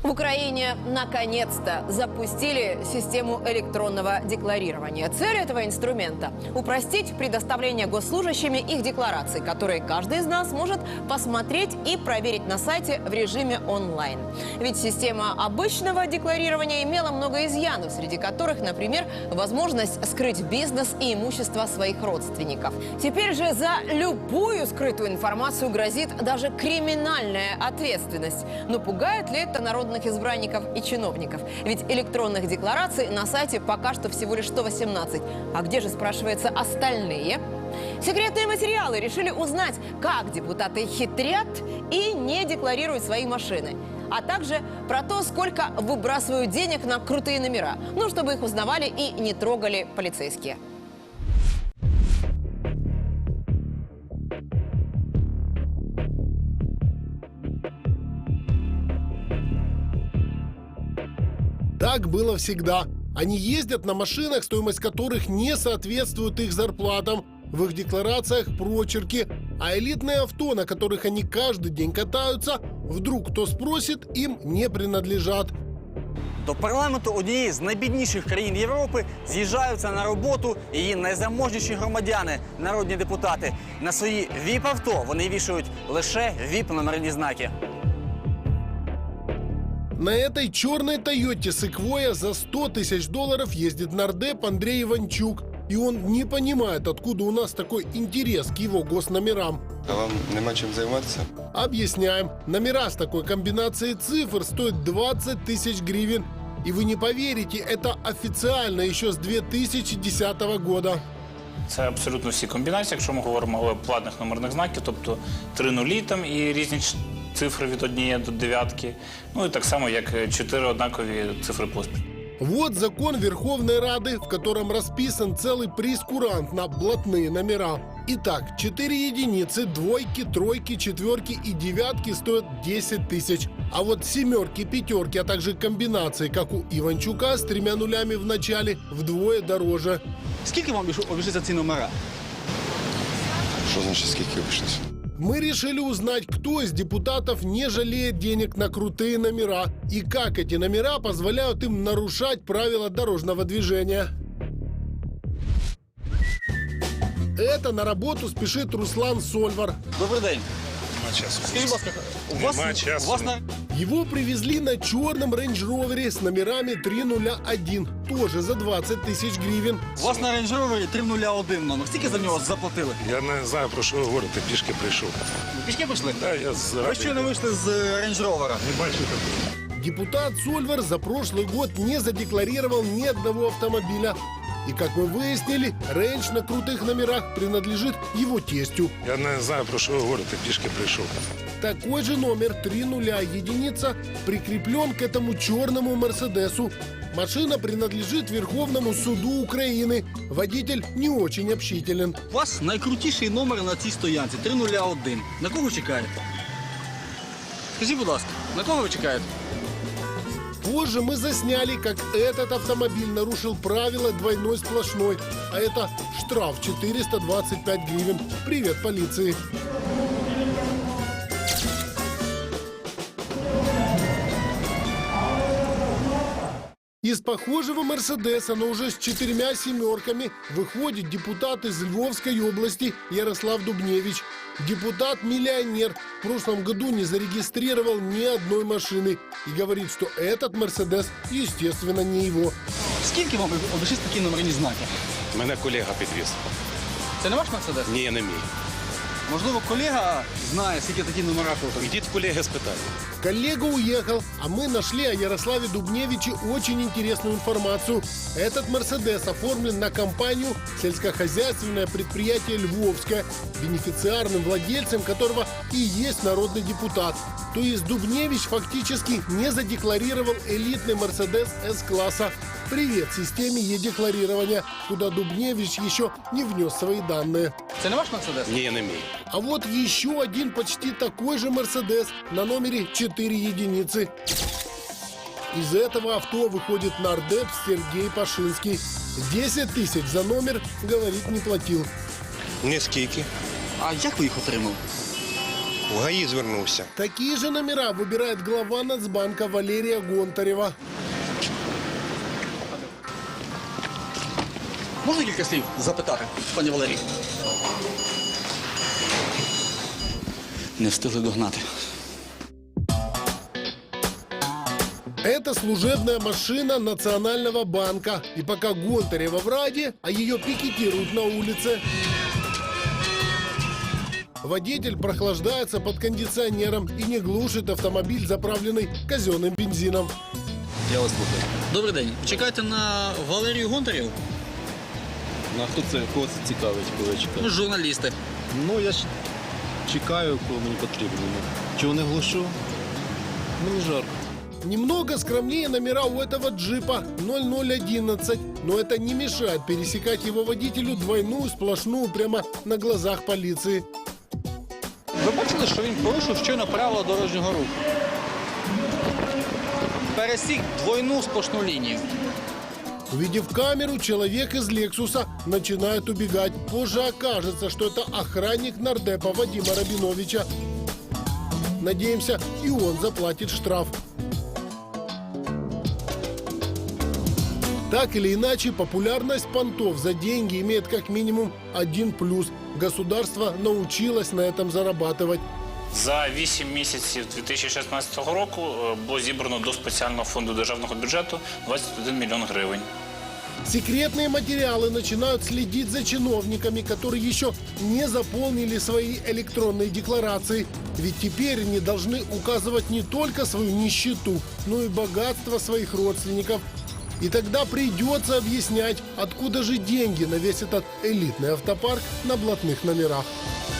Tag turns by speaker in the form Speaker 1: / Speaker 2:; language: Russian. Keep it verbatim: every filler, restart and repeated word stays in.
Speaker 1: В Украине наконец-то запустили систему электронного декларирования. Цель этого инструмента – упростить предоставление госслужащими их деклараций, которые каждый из нас может посмотреть и проверить на сайте в режиме онлайн. Ведь система обычного декларирования имела много изъянов, среди которых, например, возможность скрыть бизнес и имущество своих родственников. Теперь же за любую скрытую информацию грозит даже криминальная ответственность. Но пугает ли это народных избранников и чиновников? Ведь электронных деклараций на сайте пока что всего лишь сто восемнадцать. А где же, спрашивается, остальные? Секретные материалы решили узнать, как депутаты хитрят и не декларируют свои машины. А также про то, сколько выбрасывают денег на крутые номера. Ну, чтобы их узнавали и не трогали полицейские.
Speaker 2: Так было всегда. Они ездят на машинах, стоимость которых не соответствует их зарплатам. В их декларациях прочерки. А элитные авто, на которых они каждый день катаются, вдруг кто спросит, им не принадлежат.
Speaker 3: До парламенту однієї з найбідніших країн Європи з'їжджаються на роботу її найзаможніші громадяни, народні депутати. На свої віп-авто вони вішають лише віп-номерні знаки.
Speaker 2: На этой черной Тойоте Секвойя за сто тысяч долларов ездит нардеп Андрей Иванчук. И он не понимает, откуда у нас такой интерес к его госномерам.
Speaker 4: А вам нема чем заниматься?
Speaker 2: Объясняем. Номера с такой комбинацией цифр стоят двадцать тысяч гривен. И вы не поверите, это официально еще с две тысячи десятого года.
Speaker 5: Це абсолютно всі комбінації, якщо ми говоримо про платних номерних знаків, тобто три нулі там і різні цифри від однієї до дев'ятки, ну і так само, як чотири однакові цифри поспіль.
Speaker 2: Вот закон Верховной Рады, в котором расписан целый прейскурант на блатные номера. Итак, четыре единицы, двойки, тройки, четверки и девятки стоят десять тысяч. А вот семерки, пятерки, а также комбинации, как у Иванчука, с тремя нулями в начале, вдвое дороже.
Speaker 3: Скільки вам обійшлися ці номера?
Speaker 4: Что значит, сколько обошлось?
Speaker 2: Мы решили узнать, кто из депутатов не жалеет денег на крутые номера и как эти номера позволяют им нарушать правила дорожного движения. Это на работу спешит Руслан Сольвар.
Speaker 3: Добрий день. Скажіть, будь ласка, у вас, у вас на...
Speaker 2: Его привезли на черном рейндж-ровере с номерами три нуля один, тоже за двадцать тысяч гривен.
Speaker 3: У вас на рейндж-ровері три нуль один номер. Скільки за нього заплатили?
Speaker 6: Я не знаю, про що ви говорите, пішки прийшов.
Speaker 3: Ви пішки прийшли?
Speaker 6: Да, я з
Speaker 3: Ви щойно вийшли з рейндж-ровера.
Speaker 6: Не бачу такого.
Speaker 2: Депутат Сольвар за прошлый год не задекларировал ни одного автомобиля. И, как мы выяснили, рейндж на крутых номерах принадлежит его тестю.
Speaker 6: Я не знаю, про що ви говорите, пішки прийшов.
Speaker 2: Такой же номер три нуля единица прикреплен к этому черному Мерседесу. Машина принадлежит Верховному суду Украины. Водитель не очень общителен.
Speaker 3: У вас найкрутіший номер на цій стоянці три нуль один. На кого чекаєте? Скажіть, будь ласка, на кого ви чекаєте?
Speaker 2: Позже мы засняли, как этот автомобиль нарушил правила двойной сплошной. А это штраф четыреста двадцать пять гривен. Привет, полиции. Из похожего Мерседеса, но уже с четырьмя семерками, выходит депутат из Львовской области Ярослав Дубневич. Депутат-миллионер в прошлом году не зарегистрировал ни одной машины и говорит, что этот Мерседес, естественно, не его.
Speaker 3: Скільки вам обійшлись такі номерні знаки?
Speaker 6: Мене колега підвіз.
Speaker 3: Це не ваш Мерседес?
Speaker 6: Ні, не мій.
Speaker 3: Можливо, колега знає, скільки такі номера коштують?
Speaker 6: Ідіть колеги спитайте.
Speaker 2: Коллега уехал, а мы нашли о Ярославе Дубневиче очень интересную информацию. Этот «Мерседес» оформлен на компанию «Сельскохозяйственное предприятие Львовское», бенефициарным владельцем которого и есть народный депутат. То есть Дубневич фактически не задекларировал элитный «Мерседес» С-класса. Привет системе е-декларирования, куда Дубневич еще не внес свои данные.
Speaker 3: Це не ваш Мерседес?
Speaker 6: Ні, не мій.
Speaker 2: А вот еще один почти такой же «Мерседес» на номере четыре единицы. Из этого авто выходит нардеп Сергей Пашинский. десять тысяч за номер, говорит, не платил.
Speaker 6: Ні скільки.
Speaker 3: А як ви їх отримали?
Speaker 4: В ГАІ звернувся.
Speaker 2: Такие же номера выбирает глава Нацбанка Валерия Гонтарева.
Speaker 7: Можна кілька слів запитати, пані Валерій? Не встигли догнати.
Speaker 2: Это служебная машина Национального банка. И пока Гонтарева в Раде, а ее пикетируют на улице. Водитель прохлаждается под кондиционером и не глушит автомобиль, заправленный казенным бензином.
Speaker 8: Я вас слухаю.
Speaker 7: Добрий день. Чекаєте на Валерію Гонтареву?
Speaker 8: На хто це, кого це цікавить, коли я чекаю?
Speaker 7: Ми ж журналісти.
Speaker 8: Ну, я ж чекаю, коли мені потрібно. Чого не глушу? Мені жарко.
Speaker 2: Немного скромнее номера у этого джипа ноль ноль одиннадцать, но это не мешает пересекать его водителю двойную сплошную прямо на глазах полиции.
Speaker 7: Ви бачили, що він порушив щойно правила дорожнього руху? Пересік двойну сплошну лінію.
Speaker 2: Увидев камеру, человек из «Лексуса» начинает убегать. Позже окажется, что это охранник нардепа Вадима Рабиновича. Надеемся, и он заплатит штраф. Так или иначе, популярность понтов за деньги имеет как минимум один плюс. Государство научилось на этом зарабатывать.
Speaker 5: За вісім місяців дві тисячі шістнадцятого року е, було зібрано до спеціального фонду державного бюджету двадцять один мільйон гривень.
Speaker 2: Секретные материалы начинают следить за чиновниками, которые еще не заполнили свои электронные декларации. Ведь теперь они должны указывать не только свою нищету, но и богатство своих родственников. И тогда придется объяснять, откуда же деньги на весь этот элитный автопарк на блатных номерах.